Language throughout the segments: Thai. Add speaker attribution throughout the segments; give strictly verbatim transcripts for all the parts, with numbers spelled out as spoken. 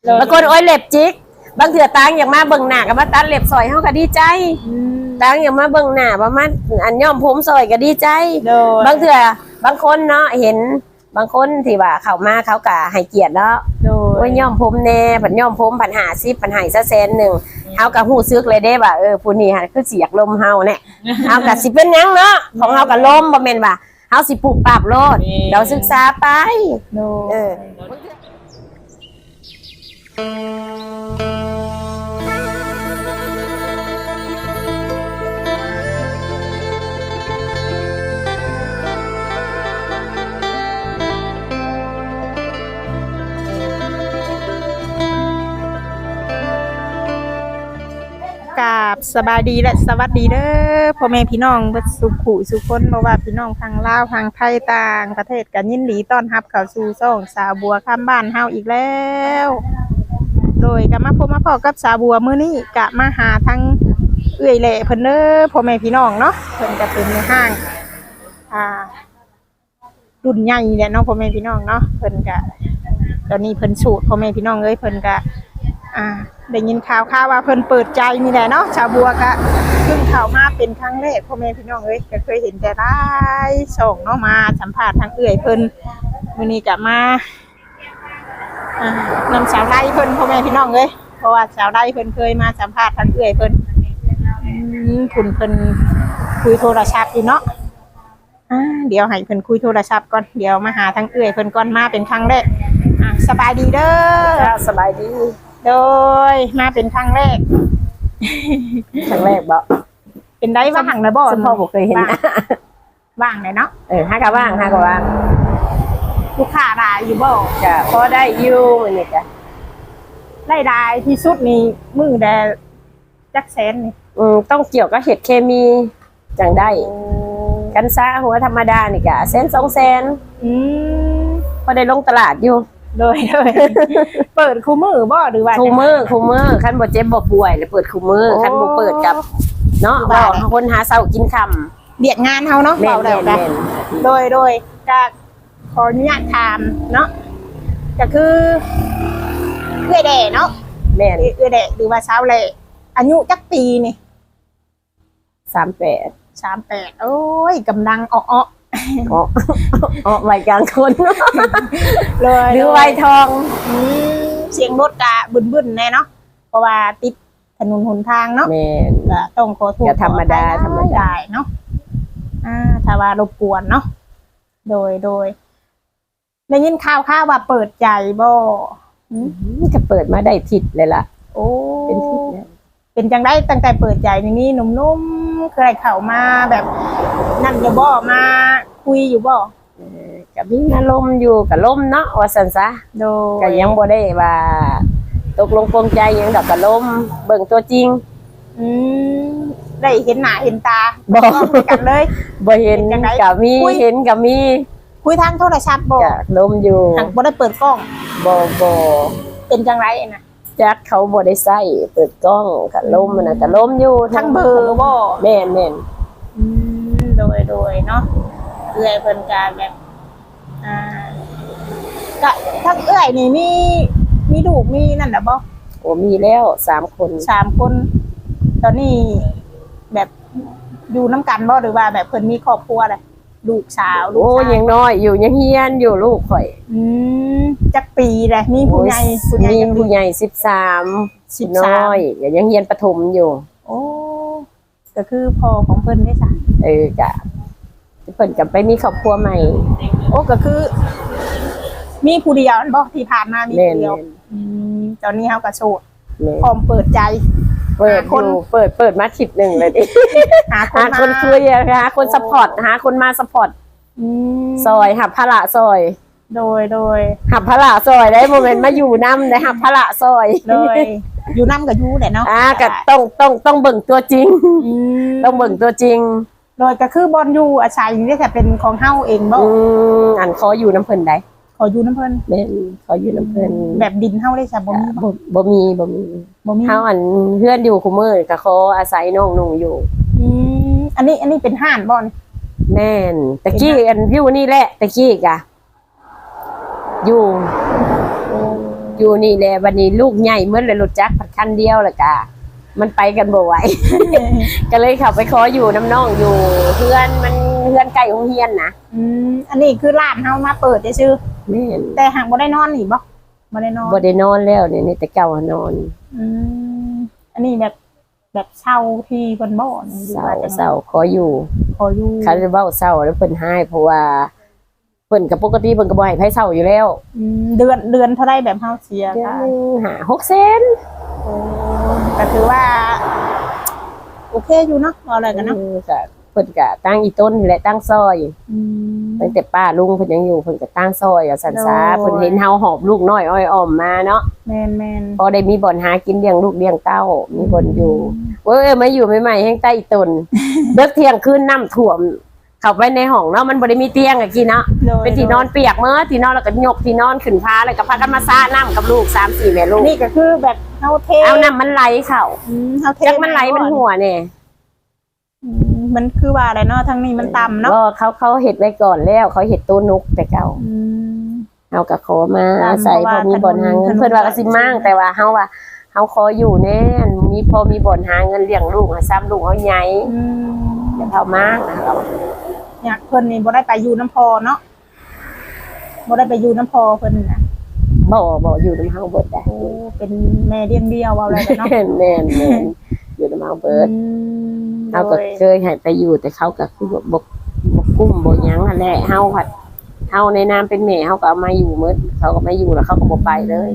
Speaker 1: บางคนโอ้ยเล็บจิกบางเถื่อตังอย่างมาเบิ่งหน้ากับมาตัดเล็บซอยเฮาก็ดีใจตังอย่างมาเบิ่งหน้าประมาณอันย่อมผมซอยก็ดีใจบางเถื่อบางคนเนาะเห็นบางคนที่ว่าเข้ามาเขาก็ให้เกียรติเนาะว่าย่อมผมแน่ผันย่อมผมผันหาซิผันหายซะแสนหนึ่งเฮาก็ฮู้ซึกเลยเด้ว่าเออผู้นี้คือสิอยากลมเฮาเนี่ยเฮาก็สิเป็นหยังเนาะของเฮาก็ลมบ่แม่นว่าเฮาสิปลูกปรับโลดเราศึกษาไปเออ
Speaker 2: กราบสบายดีและสวัสดีเด้อพ่อแม่พี่น้องเบิดสุขุสุคนบ่ว่าพี่น้องทางลาวทางไทยต่างประเทศกันยินดีต้อนรับเข้าสู่ช่องสาวบัวข้ามบ้านเฮาอีกแล้วโดยก็มาพบมาพอกับสาวบัวมื้อนี้ก็มาหาทั้งเอื้อยแหล่เพิ่นเด้อพ่อแม่พี่น้องเนาะเพิ่นก็เป็นในห้างอ่ารุ่นใหญ่แหละเนาะพ่อแม่พี่น้องเนาะเพิ่นก็ตอนนี้เพิ่นสูตรพ่อแม่พี่น้องเอ้ยเพิ่นก็อ่าได้ยินข่าวข่าวว่าเพิ่นเปิดใจนี่แหละเนาะชาวบัวก็เพิ่งเข้ามาเป็นครั้งแรกพ่อแม่พี่น้องเอ้ยก็เคยเห็นแต่ได้ส่งเนาะมาสัมภาษณ์ทางเอื้อยเพิ่นมื้อนี้ก็มาอ่านำสาวไร่เพิ่นพ่อแม่พี่น้องเอ้ยเพราะว่าสาวไร่เพิ่นเคยมาสัมภาษณ์ทางเอื้อยเพิ่นอืมคุณเพิ่นคุยโทรศัพท์อยู่เนาะอ่าเดี๋ยวให้เพิ่นคุยโทรศัพท์ก่อนเดี๋ยวมาหาทางเอื้อยเพิ่นก่อนมาเป็นครั้งแรกอ่ะสบายดีเด้อ
Speaker 1: สบายดี
Speaker 2: โดยมาเป็นครั้งแรก
Speaker 1: ครั้งแรกบ่
Speaker 2: เป็นได้ว่างนะบ่
Speaker 1: ซึ่งพ่อผมเคยเห็นนะ
Speaker 2: ว่างเลยเนาะ
Speaker 1: เออห้ากะว่างห้ากะว่าง
Speaker 2: ลูกค้ารายอยู่บ่
Speaker 1: จะพอได้อยู่นี่จ้ะ
Speaker 2: รายได้ที่สุดนี่มือแดจักแสนนี่
Speaker 1: อืมต้องเกี่ยวกับเห็ดเคมีจังได้กันซ่าหัวธรรมดานี่กะแสนสองแสน
Speaker 2: อืม
Speaker 1: พอได้ลงตลาดอยู่
Speaker 2: โดยโดย เปิดคู่มือบ่หรือว่า
Speaker 1: คู่มือคู่มือคันบ่เจ็บบ่ป่วยเลยเปิดคู่มือคันบ่เปิดกับเนาะบ่คนหาเช้ากินค่ำ
Speaker 2: เบียดงานเฮาเนาะเบาแล้วกันโดยโดยก็ขออนุญาตถามเนาะก็คือเอื้อยแด่เนาะ
Speaker 1: แม่น
Speaker 2: เอื้อยแด่หรือว่าสาวแหล่อายุจักปีนี่
Speaker 1: สามสิบแปด
Speaker 2: สามสิบแปดโอ้ยกำลังอ้อ
Speaker 1: อ๋ออ๋อวัยกลางคน
Speaker 2: เลย
Speaker 1: หรือวัยทอง
Speaker 2: เสียงรถกะบึ้นๆแน่เนาะเพราะว่าติดถนนหนทางเนาะ
Speaker 1: แม่น
Speaker 2: ก็ต้องขอโทษ
Speaker 1: ธรรมดาธรรมดา
Speaker 2: เนาะอ่าถ้าว่ารบกวนเนาะโดยโดยได้ยินข่าวข่าวว่าเปิดใจบ่
Speaker 1: จะเปิดมาได้ทิศเลยล่ะ
Speaker 2: โอ้
Speaker 1: เป็นทิศเนี่ย
Speaker 2: เป็นจังได้ตั้งแต่เปิดใจนี่นุ่มๆเคยเข้ามาแบบนั่นอยู่บ่มาคุยอยู่บ่
Speaker 1: กับมีอารมณ์อยู่กับลมเนาะว่าซั่นซะ
Speaker 2: โด
Speaker 1: ก็ยังบ่ได้ว่าตกลงปลงใจยังดอกกับลมเบิ่งตัวจริง
Speaker 2: อืมได้เห็นหน้าเห็นตา
Speaker 1: บ่
Speaker 2: กันเลย
Speaker 1: บ่เห็นกับมีเห็นกับมี
Speaker 2: คุยทางโทรศัพท์บ่
Speaker 1: ก็ลมอยู่
Speaker 2: หักบ่ได้เปิดกล้อง
Speaker 1: บ่บ่
Speaker 2: เป็นจังไรน่ะ
Speaker 1: จักเขาบ่ได้ใส่เปิดกล้องกับลมมันน่ะก็ลมอยู่
Speaker 2: ทั้งเบอร์บ่
Speaker 1: แม่นแม่น
Speaker 2: อืมโดยโดยเนาะเอื้อยเพิ่นก็แบบอ่าก็ทั้งเอื้อยนี่มีมีลูกมีนั่นน่ะบ่
Speaker 1: โอ้มีแล้วสามคน
Speaker 2: สามคนตอนนี้แบบอยู่นำกันบ่หรือว่าแบบเพิ่นมีครอบครัวอะไรลูกสาวลูกชาย
Speaker 1: โอ้ยังน้อยอยู่ยังเฮียนอยู่ลูกข่อย
Speaker 2: อืมจักปีแหละมีผู้ใหญ่
Speaker 1: ผู้ใหญ่ผู้ใหญ่สิบสามสิบน้อยยังเฮียนประถมอยู่
Speaker 2: โอ้ก็คือพ่อของเพิ่นได้จ้ะ
Speaker 1: เออจ้ะเพิ่นก็ไปมีครอบครัวใหม่
Speaker 2: โอ้ก็คือมีผู้เดียวบ่ที่ผ่านมามีผู้เดียวอืมตอนนี้เฮาก็โสดพร้อมเปิดใจ
Speaker 1: เปิดคนเปิดเปิดมาทิศหนึ่งเลยดิหาคนคนคุยหาคนซัพพอร์ตหาคนมาซัพพอร์ตซอยหับพระซอย
Speaker 2: โดยโดย
Speaker 1: หับพระซอยได้โมเมนต์มาอยู่น้ำได้หับพระซอย
Speaker 2: โดยอยู่น้ำกับยูแหละเนาะ
Speaker 1: อ่าก็ต้องต้องต้องเบิ่งตัวจริงต้องเบิ่งตัวจริง
Speaker 2: โดยก็คือบอลยูอาชัยนี่แต่เป็นของเฮาเองบ่
Speaker 1: อันขออยู่น้ำเพิ่นได้
Speaker 2: ขออยู่น้ำเพิ่น
Speaker 1: แม่ขออยู่น้ำเพิ่น
Speaker 2: แบบดินเฮาได้จ้ะบ่มี
Speaker 1: บ่มีบ่มีบ่มีเฮาอันเพื่อนอยู่คุมื้อก็ขออาศัยน้องนุ่งอยู่
Speaker 2: อืมอันนี้อันนี้เป็นห้านบ่นี่
Speaker 1: แม่นตะกี้อันอยู่นี่แหละตะกี้กะอยู่อยู่นี่แหละวันนี้ลูกใหญ่เมื่อเลยรถจักรคันเดียวแหละกะมันไปกันบ่ไหว ก็เลยขับไปขออยู่น้ำน้องอยู่เพื่อนมันเพื่อนใกล้โรงเรียนนะ
Speaker 2: อืมอันนี้คือร้านเฮามาเปิดได้ชื่อ
Speaker 1: แม่น
Speaker 2: แต่หากบ่ได้นอนนี่บ่บ่ได้นอน
Speaker 1: บ่ได้นอนแล้วเนี่ยนี่แต่เก่าหานอน
Speaker 2: อืมอันนี้แบบแบบเช่าที่เพิ่นบ่นี่หรือ
Speaker 1: เศร้า
Speaker 2: ว่าจัง
Speaker 1: เศร้าขออยู่
Speaker 2: ขออยู่
Speaker 1: เขาจะเว้าเศร้าแล้วเพิ่นให้เพราะว่าเพิ่นกับปกติเพิ่นก็บ่ให้ไผเศร้าอยู่แล้ว
Speaker 2: อืมเดือนเดือนเท่าไรแบบเฮาเสีย
Speaker 1: เดือน
Speaker 2: ค่ะ
Speaker 1: หนึงหาหกเซน
Speaker 2: โอ้ก็ถือว่า โอเคอยู่เนาะบ่อะไรกันเนาะ
Speaker 1: เออก็เพิ่นก็ตั้งอีต้นนี่แหละตั้งซอย
Speaker 2: อืม
Speaker 1: ตั้งแต่ป้าลุงเพิ่นยังอยู่เพิ่นก็ตั้งซอยอ่ะสันซา
Speaker 2: โอ้ย
Speaker 1: เพิ่นเห็นเฮาหอบลูกน้อยอ้อยอ้อมมาเนาะ
Speaker 2: แม่นแม่น
Speaker 1: พอได้มีบ่อนหากินเลี้ยงลูกเลี้ยงเต้ามีบ่อนอยู่เว้ยมาอยู่ใหม่ๆแห้งใต้อีตน เลิกเที่ยงคืนน้ำท่วมเข้าไปในห้องเนาะมันบ่ได้มีเตียงอะกินเนาะ
Speaker 2: โดย
Speaker 1: เป็นที่นอนเปียกเมื่อที่นอนแล้วก็ยกที่นอนขึ้นพาแล้วก็พากันมาซ่าน้ำกับลูกสามสี่แม่ลูก
Speaker 2: นี่ก็คือแบบเฮาเท
Speaker 1: เอาน้ำมันไหลเข้า
Speaker 2: อืมเฮาเท
Speaker 1: จักมันไหลมันหัวเนี่ย
Speaker 2: อืมมันคือว่าอะไรเนาะทางนี้มันต่ำเนาะ
Speaker 1: ก็เขาเขาเห็ดไว้ก่อนแล้วเขาเห็ดตู้นกแต่เก่า
Speaker 2: อืม
Speaker 1: เอากับขอมา
Speaker 2: ตาม
Speaker 1: ใส่
Speaker 2: เพราะ
Speaker 1: พ
Speaker 2: ว่า
Speaker 1: อมีบ่อนหาเงิ
Speaker 2: ถ
Speaker 1: น
Speaker 2: นน
Speaker 1: เพื่อนว่าก็สิมั่งแต่ว่าเฮาว่าเฮาขออยู่แน่มีพอมีบ่อนหาเงินเลี้ยงลูกหาซ้ำลูกเอาใหญ่
Speaker 2: อืม
Speaker 1: อย่าเท่ามากนะเรา
Speaker 2: อยากเพิ่นนี่บ่ได้ไปอยู่น้ำพอเนาะบ่ได้ไปอยู่น้ำพอเพิ่นน่ะ
Speaker 1: บ่บ่อยู่น้ำเฮาเบิดได้
Speaker 2: โอ้เป็นแม่เลี้ยงเดียวเอาอะไรกันเนาะ
Speaker 1: แม่นแม่นแม่นอยู่น้ำเฮาเบิด
Speaker 2: อืม
Speaker 1: เฮาก็
Speaker 2: โดย
Speaker 1: เคยให้ไปอยู่แต่เขาก็คือบ่บ่บ่กุ้มบ่หยังนั่นแหละเฮาผัดเฮาในนามเป็นแม่เฮาก็เอามาอยู่หมดเขาก็ไม่อยู่แล้วเขาก็บ่ไปเลย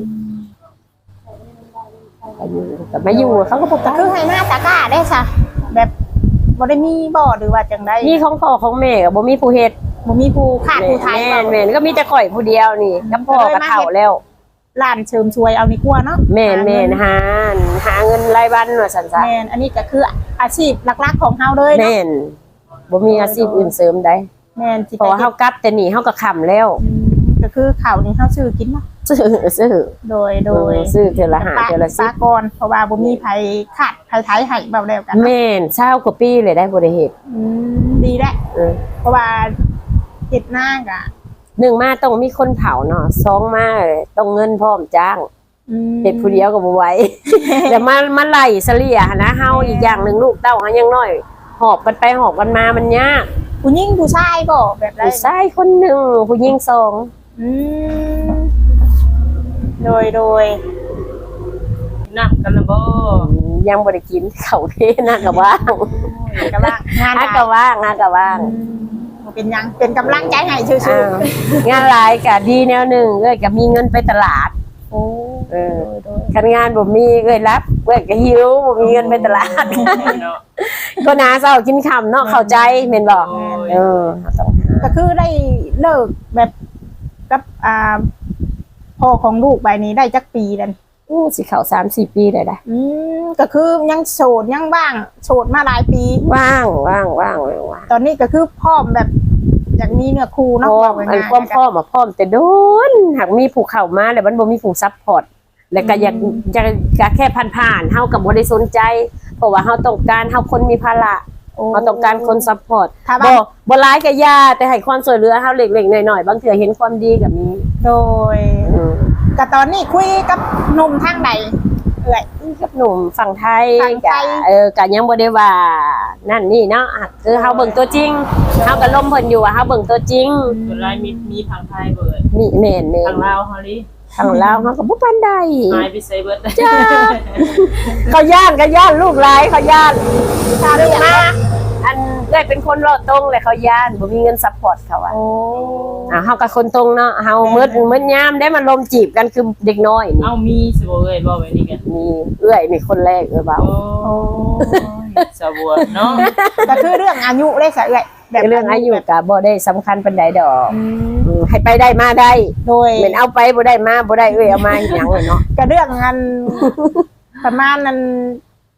Speaker 1: ไปอยู่ก็ไม่อยู่เขาก็บ่ไป
Speaker 2: ก็คือให้หน้าตะกร้าได้ซะแบบบ่ได้มีบ่หรือว่าจังได๋
Speaker 1: มีของพ่อของแม่ก็บ่มีผู้เฮ็ด
Speaker 2: บ่มีผู้ขาดผู้ไทย
Speaker 1: แม่
Speaker 2: บ่
Speaker 1: นแม่นก็มีแต่ข่อยผู้เดียวนี่กับพ่อกับเฒ่าแล้ว
Speaker 2: ร้านเชิมชวยเอานี่กว่าเนาะ
Speaker 1: แม่นแม่นหาหาเงินรายวันว่าซั่นซะ
Speaker 2: แม่นอันนี้ก็คืออาชีพหลักๆของเฮาเลยเนาะ
Speaker 1: แม่นบ่มีอาชีพอื่นเสริมได้
Speaker 2: แม่นสิ
Speaker 1: เพราะว่าเฮากลับแต่นี่เฮาก็ค้ำแล้ว
Speaker 2: อืมก็คือข้าวนี่เฮาซื้อกินเนาะ
Speaker 1: ซื้อซื้อ
Speaker 2: โดยโดย
Speaker 1: ซื้อเทื่อละห้าเทื่อละสิ
Speaker 2: ปา
Speaker 1: บ
Speaker 2: ก่อนเพราะว่าบ่มีไผขาดไผไทยให้เบาแล้วกันเนาะ
Speaker 1: แม่นเช้ากว่าปีเลยได้บ่ได้เฮ็ด
Speaker 2: อืมดีแหละ
Speaker 1: เออ
Speaker 2: เพราะว่าเฮ็ดหน้ากะ
Speaker 1: หนึ่งมาต้องมีคนเผาเนาะสองมาต้องเงินพร้อมจ้าง
Speaker 2: อืม
Speaker 1: เฮ็ดผู้เดียวก็บ่ไหว แต่มามาไล่เสลี่ยหั้นนะเฮาอีกอย่างหนึงลูกเต้าเฮายังน้อยหอบกันไปหอบกันมามันยาก
Speaker 2: ผู้หญิงผู้ชายบ่แบบไร
Speaker 1: ผู้ชายคนหนึ่งผู้หญิงสอง
Speaker 2: อืมโดยโดย
Speaker 3: น้ำกันละบ่
Speaker 1: ยังบ่ได้กินข้าวเทน่าก็ว่าง
Speaker 2: กำลังงาน
Speaker 1: น่า
Speaker 2: หลาย
Speaker 1: ก็ว่างน่าก็ว่าง
Speaker 2: อืมบ่เป็นหยังเป็นกำลังใจให้ชื่อ
Speaker 1: อ้าวงานหลายก็ดีแนวหนึงเอ้ยก็มีเงินไปตลาด
Speaker 2: ๆโอ้
Speaker 1: เออ
Speaker 2: โดยโดย
Speaker 1: คันงานบ่มีเอ้ยรับเอ้ยก็หิวบ่มีเงินไปตลาด
Speaker 3: เนาะ
Speaker 1: ก็นาเช้ากินค่ำเนาะเข้าใจแม่นบ่
Speaker 3: โอ้ย
Speaker 1: เออต้องหา
Speaker 2: ก็คือได้เลิกแบบกับอ่าพ่อของลูกใบนี้ได้จักปีแล้วนี่
Speaker 1: อู้สิเข้าสามสี่ปีได้ได้
Speaker 2: อืมก็คือยังโสดยังว่างโสดมาหลายปี
Speaker 1: ว่างว่างว่างว่างว่าง
Speaker 2: ตอนนี้ก็คือพร้อมแบบอยากมีเนื้อคู่
Speaker 1: พ
Speaker 2: เนาะ
Speaker 1: ร้อม
Speaker 2: ว่า
Speaker 1: อัน
Speaker 2: ง่ายๆ
Speaker 1: ความพร้อมอะพร้อมแต่โดนหากมีผู้เข้ามาแล้วมันบ่มีผู้ซัพพอร์ตแล้วก็อยากจะจะแค่ผ่านๆเฮาก็บ่ได้สนใจ เพราะว่าเฮาต้องการเฮาคนมีภาระ
Speaker 2: โอ้
Speaker 1: เฮาต้องการคนซัพพอร์ต
Speaker 2: ถ้า
Speaker 1: บ่
Speaker 2: ว่า
Speaker 1: บ่ร้ายก็ย่าแต่ให้ความช่วยเหลือเฮาเล็กๆน้อยๆบางเทื่อเห็นความดีก็มี
Speaker 2: โดย
Speaker 1: อืม
Speaker 2: ก็ตอนนี้คุยกับหนุ่มทางใดเอ่ย
Speaker 1: กับหนุ่มฝั่งไทย
Speaker 2: ฝั่งไทย
Speaker 1: ก็เออก็ยังบ่ได้ว่านั่นนี่เนาะอ่ะคือเฮาเบิ่งตัวจริงเฮาก็ล้มเพิ่นอยู่ว่าเฮาเบิ่งตัวจริง
Speaker 3: ส่วนลายมีมีทางไทยเบิด
Speaker 1: นี่แม่น
Speaker 3: ทาง
Speaker 1: ๆ
Speaker 3: ลาวเฮาลิ
Speaker 1: ทางลาวเฮาก็บ่ปานใด
Speaker 3: หายไปไสเบิด
Speaker 1: จ้า เขาย่านก็ย่านลูกหลายเขาย่านถ้าเรื่องมาอันได้เป็นคนรอดตรงเลยเขาย่านบ่มีเงินซัพพอร์ตเขาอ่ะ
Speaker 2: โอ้
Speaker 1: อ่าเฮากับคนตรงเนาะเฮาเมิดเมิดยามได้มาลมจีบกันคือเด็กน้อยนี่
Speaker 3: เอามีสิบ่เอ้ยบ่ไว้นี่กัน
Speaker 1: มีเอื้อยนี่คนแรกเออเบา
Speaker 3: โอ้ยสะบัวเนาะ
Speaker 2: ก็คือเรื่องอายุได้สะเอ่ยแบบ
Speaker 1: เรื่องอายุก็บ่ได้สำคัญปานใดดอก
Speaker 2: อืม
Speaker 1: อืมให้ไปได้มาได้
Speaker 2: โดย
Speaker 1: เหมือนเอาไปบ่ได้มาบ่ได้เอ้ยเอามาอีหยังเลยเนาะ
Speaker 2: ก็เรื่องอัน ประมาณนั้น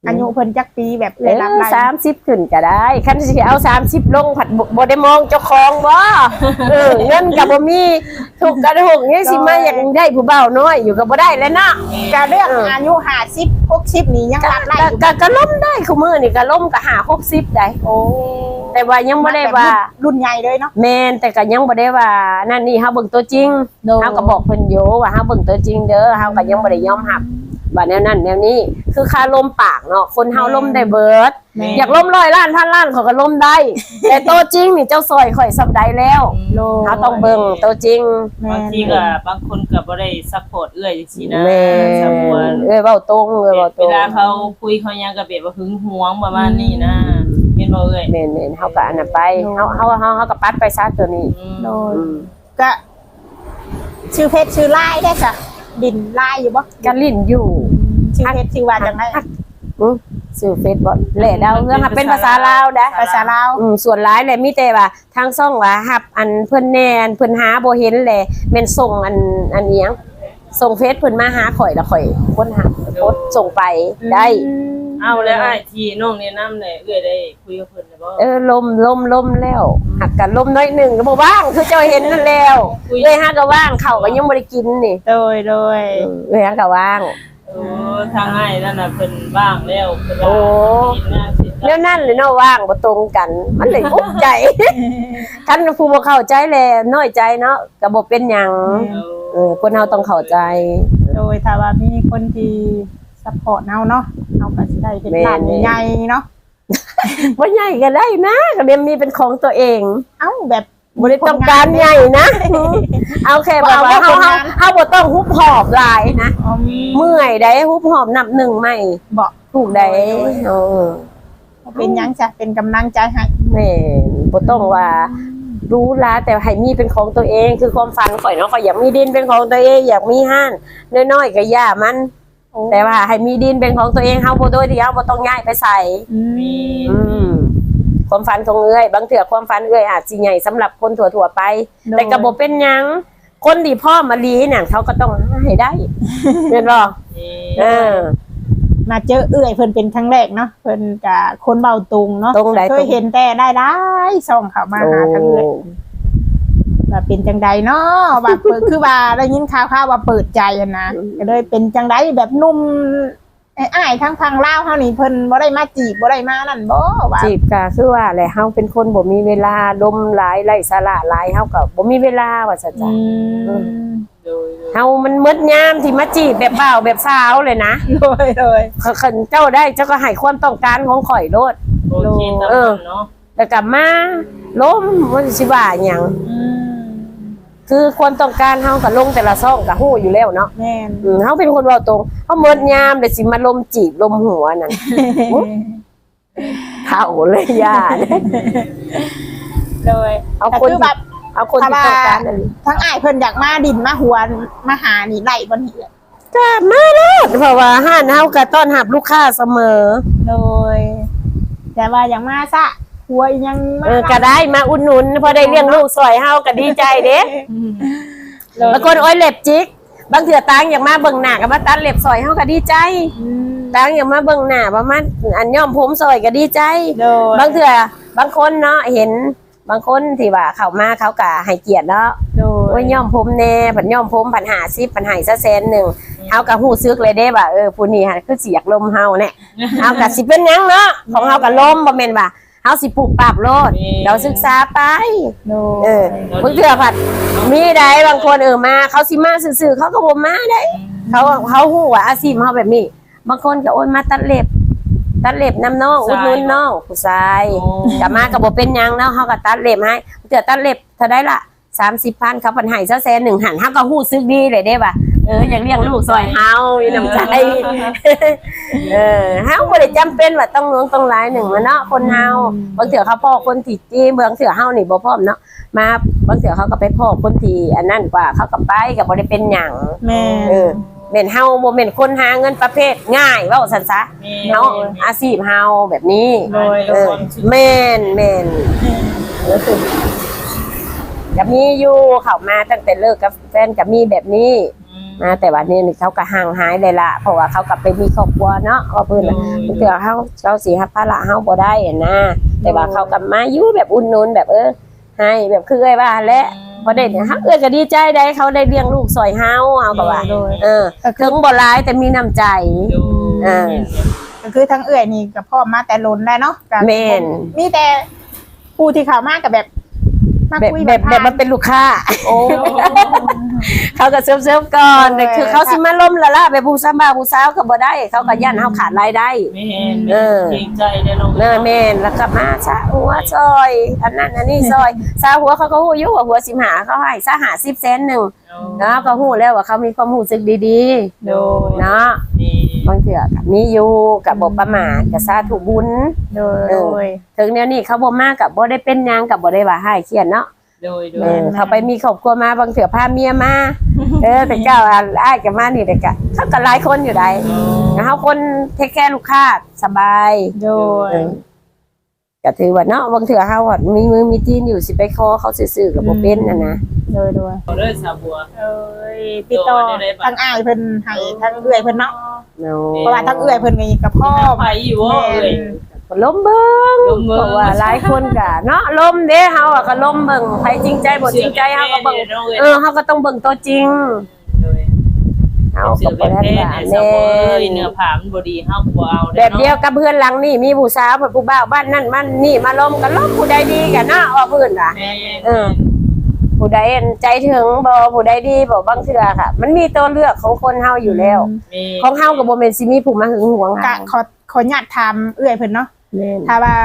Speaker 2: อายุเพิ่นจักปีแบบเอื้อยรับได้
Speaker 1: สามสิบขึ้นก็ได้คันสิเอาสามสิบลงผัดบ่บ่ได้มองเจ้าของบ่เออเงินก็บ่มีถูกกระถูกนี่สิมาอยากได้ผู้เฒ่าน้อยอยู่ก็บ่ได้แล้วเนาะ
Speaker 2: ก็เรื่องอายุห้าสิบ หกสิบนี่ยัง
Speaker 1: ก็
Speaker 2: รับได้อยู่
Speaker 1: ก็ก็ล้มได้คู่มือนี่ก็ล้มก็หาหกสิบได้
Speaker 2: โอ้
Speaker 1: แต่ว่ายังบ่ได้ว่า
Speaker 2: รุ่นใหญ่เลยเนาะ
Speaker 1: แม่นแต่ก็ยังบ่ได้ว่านั่นนี่เฮาเบิ่งตัวจริง
Speaker 2: โดย
Speaker 1: เฮาก็บอกเพิ่นอยู่ว่าเฮาเบิ่งตัวจริงเด้อเฮาก็ยังบ่ได้ยอมรับว่าแนวนั้นแนวนี้คือค่าลมปากเนาะคนเฮาลมได้เบิด
Speaker 2: แม่
Speaker 1: อยากล้มร้อยล้านพันล้านเขาก็ล้มได้ แต่ตัวจริงนี่เจ้าซอยข่อยสับได้แล้ว
Speaker 2: โล
Speaker 1: เขาต้องเบิ่งตัวจริง
Speaker 3: บางทีก็บางคนก็บ่ได้ซัพพอร์ตเอื้อยจังซี่นะ
Speaker 1: แม่
Speaker 3: สมมุติ
Speaker 1: เอ้ยเว้าตรงเอ้ยเว้าต
Speaker 3: เว
Speaker 1: รง
Speaker 3: ลาเขาคุยเขายังก็แบบว่าหึงหวงประมาณนี้นะแม่นบ่เอ้ย
Speaker 1: แม่นๆเฮาก็อันนั้นไปเฮาเฮาเฮาเฮาก็ปัดไปซะตัวนี้
Speaker 3: อืม
Speaker 2: โดย
Speaker 1: อืม
Speaker 2: ก็ชื่อเพชรชื่อลายได้จ้ะดินลายอยู่บ่
Speaker 1: ก็ลิ้นอยู่
Speaker 2: ชื่อเพชรชื่อว่าจังได
Speaker 1: อือชื่อเฟซบ่แหล่ดาวเรื่องอะเป็นภาษาลาวเด้อ
Speaker 2: ภาษาลาว
Speaker 1: อืมส่วนหลายเลยมีแต่ว่าทางซ่องว่าฮับอันเพิ่นแน่นเพิ่นหาบ่เห็นแหละแม่นส่งอันอันเอียงส่งเฟซเพิ่นมาหาข่อยแล้วข่อยค้นหาโพสต์ส่งไปได้
Speaker 3: เอาแล้วอ้ายที่น้องแนะนำเนี่ยเอื้อยได้คุยกับเพิ่นได้บ่
Speaker 1: เออลมลมลมแล้วหักกันลมน้อยหนึ่งก็บอกว่างคือเจ้าเห็นนั่นแล้วเลยฮักก็ว่างเข่าวก็ยังไม่ได้กินนี่
Speaker 2: โดยโดย
Speaker 1: เออเลยฮักก็ว่าง
Speaker 3: โอ้ทางอ้ายนั่นน่ะเพิ่นว่างแล้วเพิ่นว่า
Speaker 1: โอ้
Speaker 3: กินหน้าสิ
Speaker 1: แล้วนั่นเลยเนาะว่างบ่ตรงกัน มันเลยอุกใจคันผู้บ่เข้าใจแลน้อยใจเนาะก็บ่เป็นหยัง
Speaker 3: เอา
Speaker 1: เออคนเฮาต้องเข้าใจ
Speaker 2: โดยถ้าว่ามีคนที่ซัพพอร์ตเฮาเนาะเฮาก็สิได้เป็นร้านใหญ่ๆเนาะ
Speaker 1: บ่ใหญ่ก็ได้นะก็เดี๋ยวมีเป็นของตัวเอง
Speaker 2: เอ้าแบบ
Speaker 1: บ่ได้ต้องการใหญ่นะ เอาแค่ว่าเฮาเฮาเฮาบ่ต้องฮุบหอบหลายนะ
Speaker 2: อ๋อ
Speaker 1: เมื่อยได้ฮุบหอบนับหนึ่งไม่
Speaker 2: บอก
Speaker 1: ถูกได้เออ
Speaker 2: เป็นหยังจ้ะเป็นกำลังใจให้
Speaker 1: แม่นบ่ต้องว่ารู้ละแต่ให้มีเป็นของตัวเอง คือความฝันข่อยเนาะข่อยอยากมีดินเป็นของตัวเองอยากมีห้านน้อยๆก็ย่ามัน แต่ว่าให้มีดินเป็นของตัวเองเฮาบ่โดยที่เฮาบ่ต้องย้ายไปใส่
Speaker 3: มี
Speaker 1: อืมความฝันของเอ้ยบางเถื่อความฝันเอ้ยอาจสิใหญ่สำหรับคนทั่วๆไป แต่ก็บ่เป็นหยังคนที่พ่อมาลีเนี่ยเขาก็ต้องให้ได้เห็นบ่
Speaker 3: นี่
Speaker 1: เออ
Speaker 2: มาเจอเอื้อยเพิ่นเป็นครั้งแรกเนาะเพิ่นกับคนเบาตุงเนาะ
Speaker 1: ตรงใด
Speaker 2: เคยเห็นแต่ได้ได้ส่องเขามาหาทางเอื้อยว่าเป็นจังใดเนาะว่าเปิดคือว่าได้ยินข่าวๆว่าเปิดใจอะนะก็เลยเป็นจังใดแบบหนุ่มอ้ายทั้งทางลาวเฮานี่เพิ่นบ่ได้มาจีบบ่ได้มานั่นบ่ว่า
Speaker 1: จีบก็คือว่าแหละเฮาเป็นคนบ่มีเวลาดมหลายไร้สาระหลายเฮาก็บ่มีเวลาว่าซั่น
Speaker 2: อื
Speaker 1: จ้ะ
Speaker 2: ม
Speaker 3: โดยโดย
Speaker 1: เฮามันมืดยามที่มาจีบแบบบ่าวแบบสาวเลยนะ
Speaker 2: โดยโดย
Speaker 1: คันเจ้าได้เจ้าก็ให้ความต้องการของข่อยโลด
Speaker 3: โอเคตาม
Speaker 1: เออ
Speaker 3: นั้นเนาะ
Speaker 1: แล้วก็มาล้มว่าสิว่าหยัง
Speaker 2: อืม
Speaker 1: คือความต้องการเฮาก็ลงแต่ละซ่องก็ฮู้อยู่แล้วเนาะ
Speaker 2: แม่น
Speaker 1: อืมเฮาเป็นคนเว้าตรงเฮามืดยามเดี๋ยวสิมาลมจีบลมหัวนั่น เท่าเลยย่าเนี่ย
Speaker 2: โดย
Speaker 1: เอา
Speaker 2: แต่
Speaker 1: คน
Speaker 2: คือแบบ
Speaker 1: เอาคนที่ต้องการนั่น
Speaker 2: ทั้งอ้ายเพิ่นอยากมาดินมาหัวมาหานี่ไล่บ่นี่
Speaker 1: ก็มาแล้วเพราะว่าห้านเฮาก็ต้อนรับลูกค้าเสมอ
Speaker 2: โดย แต่ว่าอย่างมาซะหัวยังมา
Speaker 1: เออก็ได้มาอุดหนุนพอได้เลี้ยงลูกสวยเฮาก็ดีใจเด้
Speaker 2: โดย
Speaker 1: บางคนโอ้ยเล็บจิกบางเถื่อตังอยากมาเบิ่งหน้าก็มาตัดเล็บสวยเฮาก็ดีใจ
Speaker 2: อืม
Speaker 1: ตังอยากมาเบิ่งหน้าประมาณอันย้อมผมสวยก็ดีใจ
Speaker 2: โดย
Speaker 1: บางเถื่อบางคนเนาะเห็นบางคนที่ว่าเข้ามาเขาก็ให้เกียรติเนาะ
Speaker 2: โดย
Speaker 1: โอ้ยย้อมผมแน่ผันย้อมผมผันหาซิผันให้ซะแสนหนึ่งเฮาก็ฮู้ซึกเลยเด้ว่าเออผู้นี้หั่นคือสิอยากลมเฮาแน่ เฮาก็สิเป็นหยังเนาะของเฮาก็ลมบ่แม่นว่าเฮาสิปลูกปรับโลดเราศึกษาไป
Speaker 2: โดย
Speaker 1: เออเพิ่งเทื่อผัดมีได้บางคนเออมาเขาสิมาซื่อๆเขาก็บ่มาได้ เขาเขาฮู้ว่าอาชีพเฮาแบบนี้ บางคนก็โอนมาตัดเล็บ ตัดเล็บน้ำน้องอุดหนุนน้องผู้ชายก็มาก็บ่เป็นหยังเนาะเฮาก็ตัดเล็บให้เทื่อตัดเล็บเท่าได้ล่ะสามสิบพันเขาเพิ่นให้ซะแสนหนึ่งหันเฮาก็ฮู้ซึกดีเลยเด้ว่าเอออยากเลี้ยงลูกซอยเฮามีน้ำใจ เออเฮาบ่ได้จำเป็นว่าต้องหลวงต้องหลายหนึ่งมาเนาะคนเฮาบางเทื่อเขาพ่อคนที่จีเมืองเทื่อเฮานี่บ่พร้อมเนาะมาบางเทื่อเขาก็ไปพ่อคนที่อันนั้นกว่าเขาก็ไปก็บ่ได้เป็นหยัง
Speaker 2: แม่
Speaker 1: เออแม่นเฮาบ่แม่นคนหาเงินประเภทง่ายเว้าซั่นซะ
Speaker 3: มี
Speaker 1: เฮาอาชีพเฮาแบบนี้
Speaker 3: โดย
Speaker 1: เออแม่นแม่นก็มีอยู่เข้ามาตั้งแต่เลิกกับแฟนก็มีแบบนี้
Speaker 3: อืม
Speaker 1: นะแต่ว่านี่เขาก็ห่างหายเลยล่ะเพราะว่าเขากลับไปมีครอบครัวเนาะว่าเพิ่นน่ะเถื่อเขาเขาสิรับภาระเฮาบ่ได้อะนะแต่ว่าเขากลับมาอยู่แบบอุ่นนุนแบบเออให้แบบคือเอ้ยว่าแหละพอได้เนี่ยเฮาเอ้ยก็ดีใจได้เขาได้เลี้ยงลูกซอยเฮาเฮาก็ว่าเออถึงบ่หลายแต่มีน้ำใจเออ
Speaker 2: ก็คือทั้งเอื้อยนี่กับพ่อมาแต่ล้นได้เนาะ
Speaker 1: แม่น
Speaker 2: มีแต่ผู้ที่เข้ามากับแบบมา
Speaker 1: แบบ
Speaker 2: คุย
Speaker 1: แบบแบบมันเป็นลูกค้า
Speaker 2: โอ้
Speaker 1: เขาก็เซิร์ฟๆก่อน
Speaker 2: เออ
Speaker 1: แต่คือเขาสิมาล้มละล่ะไปผู้ซ้ำบ่าวผู้สาวก็บ่ได้เขาก็ย่านเฮาขาดรายได้
Speaker 3: แม่น
Speaker 1: เออ
Speaker 3: เกรงใจเด้อน้อง
Speaker 1: เนอแม่นแล้วก็มาซะหัวซอยอันนั้นอันนี้ซอยซาหัวเขาก็ฮู้อยู่ว่าหัวสิบห้าเขาให้ซะห้าสิบเซนหนึงเนาะก็ฮู้แล้วว่าเขามีความรู้สึกดี
Speaker 3: โดย
Speaker 1: ๆเนาะ
Speaker 3: นี่
Speaker 1: บางเทื่อก็มีอยู่ก็บ่ประมาทก็สาธุบุญ
Speaker 2: โดย
Speaker 1: เอ
Speaker 2: โด
Speaker 1: อ
Speaker 2: ย
Speaker 1: ถึงแนวนี้เขาบ่มาก็บ่ได้เป็นหยังก็บ่ได้ว่าให้เครียดเนาะ
Speaker 3: โดยโด
Speaker 1: เอย อเขาไปมีครอบครัวมาบางเถื่อพาเมียมา เออแต่เจ้าอ้ายกับมานี่เด็กอะเขาก็หลายคนอยู่ได้นะเขาคนเทคแคร์ลูกค้าสบาย
Speaker 2: โดย
Speaker 1: เออก็ถือว่าเนาะบางเถื่อเขาอะมีมือมีตีนอยู่สิไปคอเขาซื่อๆกับโบเป็นนะนะ
Speaker 2: โดยโดย
Speaker 3: เอาเด้อสาวบัว
Speaker 2: เอ้ยติดต่อทั้งอ้ายเพิ่นให้ทั้งเอื้อยเพิ่นเนาะ
Speaker 1: เนา
Speaker 2: เพราะว่าทั้งเอื้อยเพิ่นก็กับพ่อ
Speaker 3: ไปอยู่ว่าเอ้ย
Speaker 1: ล้มเบิ้ง
Speaker 3: ล้มเบิ่ง
Speaker 1: เพราะว่าหลายคนกะเนาะล้มเด้เฮาอะก็ล้มเบิ่งใครจริงใจบ่จริงใจเฮาก็เบิ่งเออเฮาก็ต้องเบิ่งตัวจริง
Speaker 3: โดย
Speaker 1: เฮา
Speaker 3: เสื
Speaker 1: ก็
Speaker 3: อ
Speaker 1: บ่
Speaker 3: เป็น
Speaker 1: ได้
Speaker 3: เพศ
Speaker 1: ว่า
Speaker 3: ในสาว
Speaker 1: แม่
Speaker 3: บัวเอ้ยเนื้อผ้ามันบ่ดีเฮาก็บ่เอา
Speaker 1: แบบเดียวกับเพื่อนหลังนี่มีผู้สาวเพิ่นผู้บ่าวบ้านนั่นมันนี่มาล้มกันล้มผู้ใดดีกันเนาะว่าเพิ่นน่ะ
Speaker 3: แม่
Speaker 1: เออ ผู้ใดใจถึงบ่ผู้ใดดีบ่บางเทื่อค่ะ มันมีตัวเลือกของคนเฮาอยู่แล้ว ของเฮาก็บ่แม่นสิมีผู้มาหึงหวง
Speaker 2: กะ
Speaker 1: เฮา
Speaker 2: ขอขออนุญาตถามเอื้อยเพิ่นเนาะ
Speaker 1: แม่น
Speaker 2: ถ้าว่า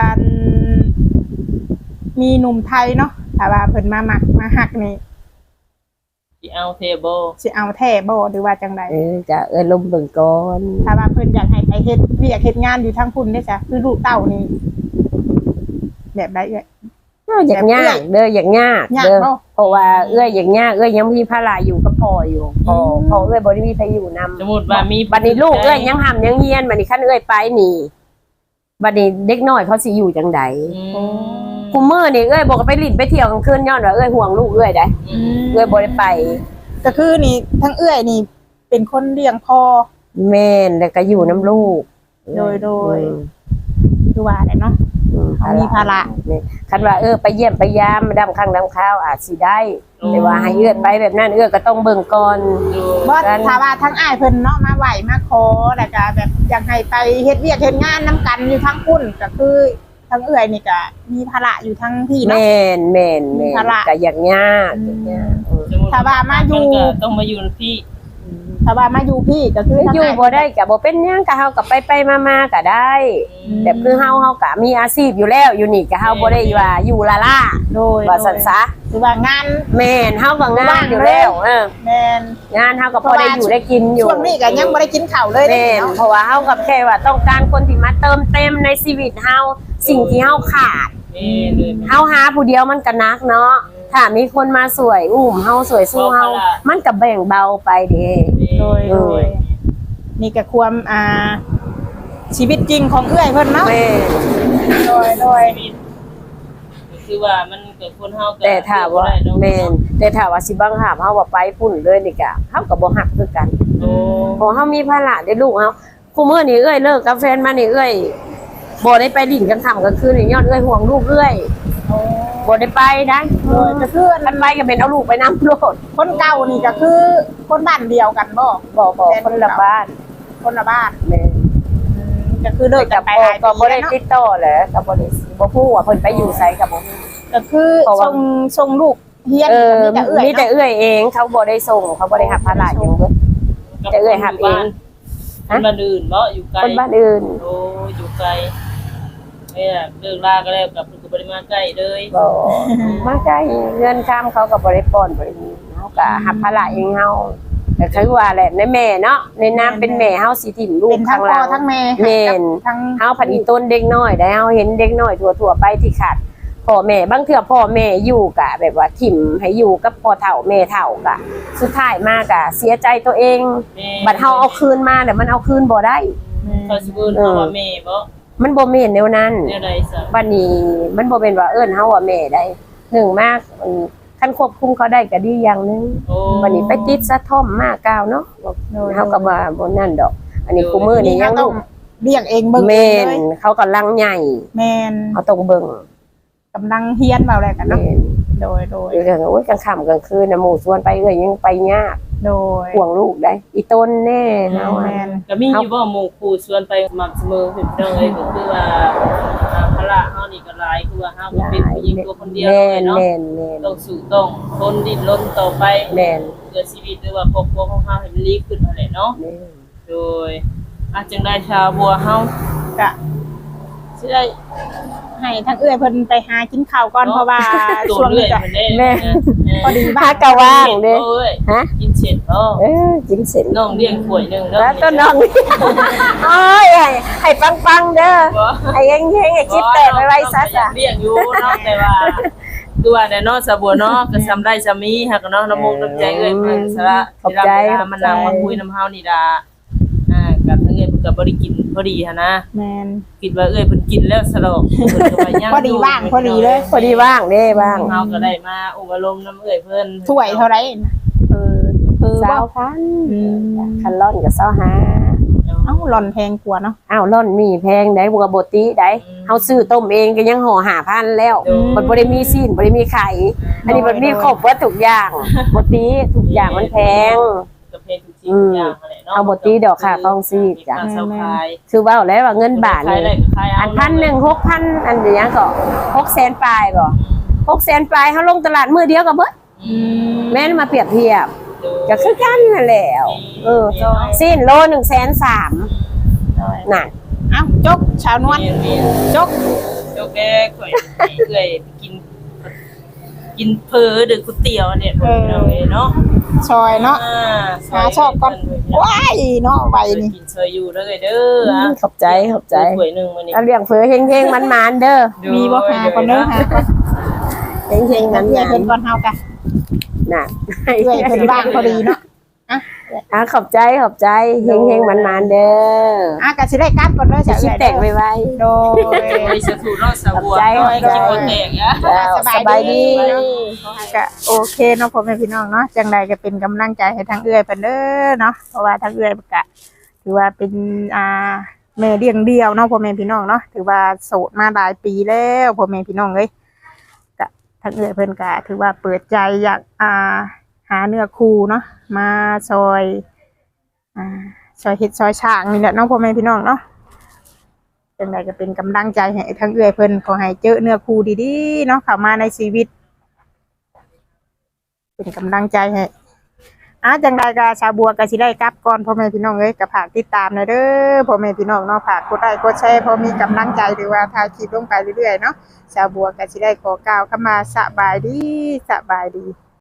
Speaker 2: มีหนุ่มไทยเนาะถ้าว่าเพิ่นมามักมาฮักนี่
Speaker 3: สิเอาเทเบิล
Speaker 2: สิเอาแท้บ่หรือว่าจังได
Speaker 1: เออจะเอ้ยลมเบิ่งก่อน
Speaker 2: ถ้าว่าเพิ่นอยากให้ไปเฮ็ดเวียกเฮ็ดงานอยู่ทางพุ่นได้จ้ะคือลูกเต้านี่แบบใดเอ้ย
Speaker 1: เอออยากยากเด้ออยากยาก
Speaker 2: ยาก
Speaker 1: เด้อ
Speaker 2: เนาะ
Speaker 1: เพราะว่าเอ้ยอยากยากเอ้ยยังมีภาระอยู่กับพ่ออยู่พ่อ
Speaker 2: อืม
Speaker 1: พ่อเอ้ยบ่ได้มีใครอยู่นำ
Speaker 3: สมมุติว่ามี
Speaker 1: บัดนี้ลูกเอ้ยยังหำยังเฮียนบัดนี้คันเอ้ยไปนี่บัดนี้เด็กน้อยเขาสิอยู่จังได
Speaker 3: อืม
Speaker 1: กูมื้อนี่เอ้ยบ่ก็ไปลิ้นไปเที่ยวกลางคืนย้อนว่าเอ้ยห่วงลูกเอ้ยได้
Speaker 3: อืม
Speaker 1: เอ้ยบ่ได้ไป
Speaker 2: ก็คือนี่ทั้งเอื้อยนี่ เป็นคนเลี้ยงพ่อ
Speaker 1: แม่นแล้วก็อยู่น้ำลูก
Speaker 2: โดยโดย
Speaker 1: อืม
Speaker 2: คือว่าแหละเนาะ
Speaker 1: อืม
Speaker 2: เขามีภาระ
Speaker 1: แม่นคันว่าเออไปเยี่ยมไปยามมาดำข้างดำข้าวอาจสิได้แต่ว่าให้เอื้อนไปแบบนั้นเอื้อก็ต้องเบิ่งก่อน
Speaker 3: ดู
Speaker 2: บ่ถ้าว่าทั้งอ้ายเพิ่นเนาะมาไหวมาขอแล้วก็แบบอยากให้ไปเฮ็ดเวียกเฮ็ดงานนํกันอยู่ทั้งพุ่นก็คือทั้งเอื้อยนี่ก็มีภาระอยู่ทั้งพี่เนาะ
Speaker 1: แม่นแม่นแม่น
Speaker 2: ภาระ
Speaker 1: ก็อยากยากอยากยากอืม
Speaker 3: สมมุติ
Speaker 2: ถ้าว่ามาอยู่
Speaker 3: นก็ต้องมาอยู่กับพี่
Speaker 2: ถ้าว่ามาอยู่พี่ก็คือทั้ง
Speaker 1: อยู่
Speaker 2: อ้าย
Speaker 1: บ่ได้ก็บ่เป็นหยังก็เฮาก็ไปไปๆมาๆก็ได้แบบคือเฮาเฮาก็มีอาชีพอยู่แล้วอยู่นี่ก็เฮาบ่ได้ว่าอยู่ละล่า
Speaker 2: โดย
Speaker 1: ว่าซั่นซะ
Speaker 2: คือว่างาน
Speaker 1: แม่นเฮาก็งานอยู่แล้วเออ
Speaker 2: แม่น
Speaker 1: งานเฮาก็พอได้อยู่ได้กินอยู่
Speaker 2: ช่วงนี้ก็ยังบ่ได้กินข้าวเลย
Speaker 1: แม่น
Speaker 2: เนาะ
Speaker 1: เพราะว่าเฮากับแค่ว่าต้องการคนที่มาเติมเต็มในชีวิตเฮาสิ่งที่เฮาขาด
Speaker 3: แม่เลย
Speaker 1: เฮาหาผู้เดียวมันก็นักเนาะถ้ามีคนมาสวยอุ้มเฮาสวยสู้เฮามันก็แบ่งเบาไปเด้
Speaker 2: โดยโดยนี่ก็ความอ่าชีวิตจริงของเอื้อยเพิ่นเนาะ
Speaker 1: แม่
Speaker 2: โดยโดย
Speaker 3: คือว่ามันเกิดคนเฮาก็
Speaker 1: แต่ถ้าว่า
Speaker 3: เลือกบ่ได้เนะ
Speaker 1: แม่นแต่ถ้าว่าสิบังคับเฮาว่าไปพุ่นเลยนี่ก็เฮาก็บ่ฮักคือกัน
Speaker 3: โอ้
Speaker 1: เพราะเฮามีภาระได้ลูกเฮาคู่มื้อนี้เอ้ยเลิกกับแฟนมานี่เอ้ยบ่ได้ไปดิ่นกลางค่ำกลางคืนนี่ย้อนเอ้ยห่วงลูกเอ้ยบ่ได้ไปได้
Speaker 2: โดยก็คือ
Speaker 1: คันไปก็เป็นเอาลูกไปนำโลด
Speaker 2: คนเก่านี่ก็คือคนบ้านเดียวกันบ่
Speaker 1: บ่บ่คนละบ้าน
Speaker 2: คนละบ้าน
Speaker 1: แม่
Speaker 2: อืมก็คือเลิกกันไป
Speaker 1: บ่
Speaker 2: หลาย
Speaker 1: ก็
Speaker 2: ปี
Speaker 1: บ่ได้
Speaker 2: แล้วเนาะ
Speaker 1: ติดต่อแหละก็บ่ได้บ่ฮู้ว่าเพิ่นไปอยู่ไสก็บ่ฮู้
Speaker 2: ก็คือ
Speaker 1: เพราะว่า
Speaker 2: ส่งส่งลูกเฮียน
Speaker 1: เออ
Speaker 2: มีแต่เอื้อย
Speaker 1: มีแต่
Speaker 2: เนาะ
Speaker 1: เอื้อยเองเขาบ่ได้ส่งเขาบ่ได้รับภาระหยังเบิด จะเอ่ยหับเอง
Speaker 3: คนบ้านอื่นบ่อยู่ไกล
Speaker 1: คนบ้านอื่น
Speaker 3: โอ้อยู่ไกลเนี่ยเลิกลาก็แล้วกับคือบ่ได้มาใกล้เลย
Speaker 1: บ่มาใกล้เงินค้ำเขาก็บ่ได้ป้อนบ่ได้มีเฮาก็รับภาระเองเฮาแต่คือว่าแหละในแม่เนาะในน้ำเป็นแม่เฮาสิถิ่มลู
Speaker 2: เป็
Speaker 1: ก
Speaker 2: นทั้
Speaker 1: ข้าง ง
Speaker 2: พ่
Speaker 1: ล่า
Speaker 2: อง ทั้งแม่
Speaker 1: แม่น
Speaker 2: ทั้ง
Speaker 1: เฮาผัดอีต้นเด็กน้อยได้เฮาเห็นเด็กน้อยทั่วๆไปที่ขาดพ่อแม่บางเทื่อพ่อแม่อยู่กะแบบว่าถิ่มให้อยู่กับพ่อเฒ่าแม่เฒ่ากะสุดท้ายมากะเสียใจตัวเอง
Speaker 3: แม่
Speaker 1: บัดเฮาเอาคืนมาแต่มันเอาคืนบ่ได้
Speaker 3: เขาสิเอิ้นเฮาว่าแม่บ่
Speaker 1: มันบ่แม่นแนวนั้น
Speaker 3: แนวใดซะ
Speaker 1: บัดนี้มันบ่เป็นว่าเอิ้นเฮาว่าแม่ได้หนึ่งมากมันคันควบคุมเขาได้ก็ดีอย่างหนึง
Speaker 3: โอ้
Speaker 1: วันนี้ไปติดสะท่อมมากกาวเนาะเฮาก็บ่บ่นั่นดอก อันนี้กูมือนี่ยัง
Speaker 2: ต้
Speaker 1: ลู
Speaker 2: อง
Speaker 1: ก
Speaker 2: เลี้ยงเองเบิ่งเอ
Speaker 1: แม่
Speaker 2: ง
Speaker 1: น
Speaker 2: เลย
Speaker 1: เขากำลังใหญ่
Speaker 2: แม่น
Speaker 1: เขาต้องเบิ่ง
Speaker 2: กำลังเฮียนเบาอะไรกันเนาะ
Speaker 1: แม่น
Speaker 2: โดยโดย
Speaker 1: เรื่องโอ้ยกลางค่ำกลางคืนน่ะหมู่ชวนไปเอ้ยยังไปยาก
Speaker 2: โดย
Speaker 1: ห่วงลูกได้ อีต้นแน่เฮา
Speaker 2: แม่น
Speaker 3: ก็มีอยู่บ่หมู่ครูชวนไปสม่ำเสมอพี่น้องเอ้ยก็คือว่าอ่าภาระเฮานี่ก็หลายคือว่าเฮาก็เป็นผู้หญิงตัวคนเดียว
Speaker 1: แม่
Speaker 3: เลย
Speaker 1: น
Speaker 3: เนาะ
Speaker 1: แม่นแม่น
Speaker 3: ต้องสู้ต้องทนดิ้นรนต่อไป
Speaker 1: แม่น
Speaker 3: เพื่อชีวิตหรือว่าครอบครัวของเฮาให้มันดีขึ้นนั่นแหละเนาะ
Speaker 1: แม่น
Speaker 3: โดยอาจจังได้ชาวบัวเฮา
Speaker 2: ก็
Speaker 3: สิได้
Speaker 2: ให้ทั้งเอื้อยเพิ่นไปหากินข้าวก่อนเพราะว่า
Speaker 3: ตัว
Speaker 2: ช่วง
Speaker 3: เรื่อ
Speaker 2: นี้
Speaker 3: ย
Speaker 2: ก็
Speaker 3: มันได้
Speaker 1: แม่
Speaker 2: พอดี
Speaker 1: พากะว่างเด้
Speaker 3: เอ้ย
Speaker 1: ฮะ
Speaker 3: กินเสร็จเออ
Speaker 1: เออกินเสร็จ
Speaker 3: น้องเลี้ยงถ้วยหนึงเด้อ
Speaker 1: แล้วต้นน้อง โอ้ยให้ให้ปังๆเด้อ
Speaker 3: บ่
Speaker 1: ให้เฮงๆให้คิดแตกไว้ๆซะจ้ะ
Speaker 3: เลี้ยงอยู่เนาะแต่ว่าคือว่าแน่เนาะสะบัวเนาะก็ทำได้ซะมีหักเนาะน้ำมุกน้ำใจเอ้ยเพิ่นสละที่รับเวลามันนั่งมาคุยน้ำเฮานี่ดาอ่ากับทั้งเอ้ยเพิ่นก็บ่ได้กินพอดีหันนะ
Speaker 2: แม่น
Speaker 3: คิดว่าเอ้ยเพิ่นกินแล้วสลอกเพิ่นก็ไปย่าง
Speaker 2: พอดีว่างพอดีเลย
Speaker 1: พอดีว่างเด้ว่าง
Speaker 3: เฮาก็ได้มาอุปอารมณ์น้ำเอ้ยเพิ่น
Speaker 2: ถ้วยเท่าไหร่เออคือ
Speaker 1: เศ
Speaker 2: ว่า
Speaker 1: ร้าพัน
Speaker 2: อืม
Speaker 1: คันร่อนกับเศร้าหา
Speaker 2: เอ้าหล่อนแพงกว่าเนาะ
Speaker 1: อ้าวร่อนมีแพงได้บัวบติได้เฮาซื้อต้มเองก็ยังห่อหาพันแล้วมันบ่ได้มีซีนบ่ได้มีไข่อันนี้มันมีครบว่าทุกอย่างบติทุกอย่างมันแพง
Speaker 3: ก็เพลงทุกสิ่งทุกอย่างนั่นแหละเนาะ
Speaker 1: เอาบ่ตีดอกค่ะกองซีกจ้ะ
Speaker 3: การเซาขาย
Speaker 1: คือเว้าแล้วว่าเงินบาท
Speaker 3: ขายได้
Speaker 1: นี่
Speaker 3: ก็ขายเอา
Speaker 1: อันพันหนึ่งหกพันอันเดียวก็หกแสนปลายบ่หกแสนปลายเฮาลงตลาดมื้อเดียวก็เบิด
Speaker 3: อืม
Speaker 1: แม่นมาเปรียบเทียบก็คือกันนั่นแหละเออสิ้นโลหนึ่งแสนสามนั่น
Speaker 2: เอ้าจกชาวนวล
Speaker 3: มีมี
Speaker 2: จก
Speaker 3: โจกแกข่อยให้เอ้ยไปกิน กินเพอหรือก๋วยเตี๋ยวเนี่ยพวกเราเองเนาะ
Speaker 2: ซอยเนาะ
Speaker 3: อ่า
Speaker 2: หาชอบก่อนว้ายเนาะไวนี่
Speaker 3: กินซอยอยู่เด้อเด้ออ่ะ
Speaker 1: ขอบใจขอบใจ
Speaker 3: ถ้วยหนึงมื้อนี้
Speaker 1: เอาเลี้ยงเฟือเฮงๆมันๆเด้อ
Speaker 2: มีบ่หาก่อนเด้อหาก่อน
Speaker 1: เฮงๆมัน
Speaker 2: เอื้อยเพิ่นก่อนเฮากะ
Speaker 1: ๆน่ะ
Speaker 2: เอื้อยเพิ่นว่างพอดีเนาะ
Speaker 1: อ่ะขอบใจขอบใจเฮงๆมันๆเด้อ
Speaker 2: อ่ะก็สิได้กลับก่อนเด้อ
Speaker 1: จะ
Speaker 2: จ้ะ
Speaker 1: คิดแตกไว้
Speaker 2: โดย
Speaker 3: โอ้ยสะถูเนาะสะบัว
Speaker 1: ขอบใจ
Speaker 3: น้อยกินบ่แตกอ่ะ
Speaker 1: ๆแล้วสบายดี
Speaker 2: ก็โอเคเนาะพ่อแม่พี่น้องเนาะจังใดก็เป็นกำลังใจให้ทางเอื้อยเพิ่นเด้อเนาะเพราะว่าทางเอื้อยก็ถือว่าเป็นอ่าแม่เลี้ยงเดี่ยวเนาะพ่อแม่พี่น้องเนาะถือว่าโสดมาหลายปีแล้วพ่อแม่พี่น้องเอ้ยก็ทางเอื้อยเพิ่นก็ถือว่าเปิดใจอยากอ่าหาเนื้อคู่เนาะมาซอยอ่าซอยเฮ็ดซอยช่างนี่แหละเนาะพ่อแม่พี่น้องเนาะจังใดก็เป็นกำลังใจให้ทางเอื้อยเพิ่นขอให้เจอเนื้อคู่ดีๆเนาะเข้ามาในชีวิต เป็นกำลังใจให้อ่ะจังใดก็ชาวบัวก็สิได้กลับก่อนพ่อแม่พี่น้องเอ้ยก็ฝากติดตามหน่อยเด้อพ่อแม่พี่น้องเนาะฝากกดไลค์กดแชร์พอมีกำลังใจหรือว่าถ่ายคลิปลงไปเรื่อยๆเนาะชาวบัวก็สิได้ขอกล่าวคำว่าสบายดีสบายดี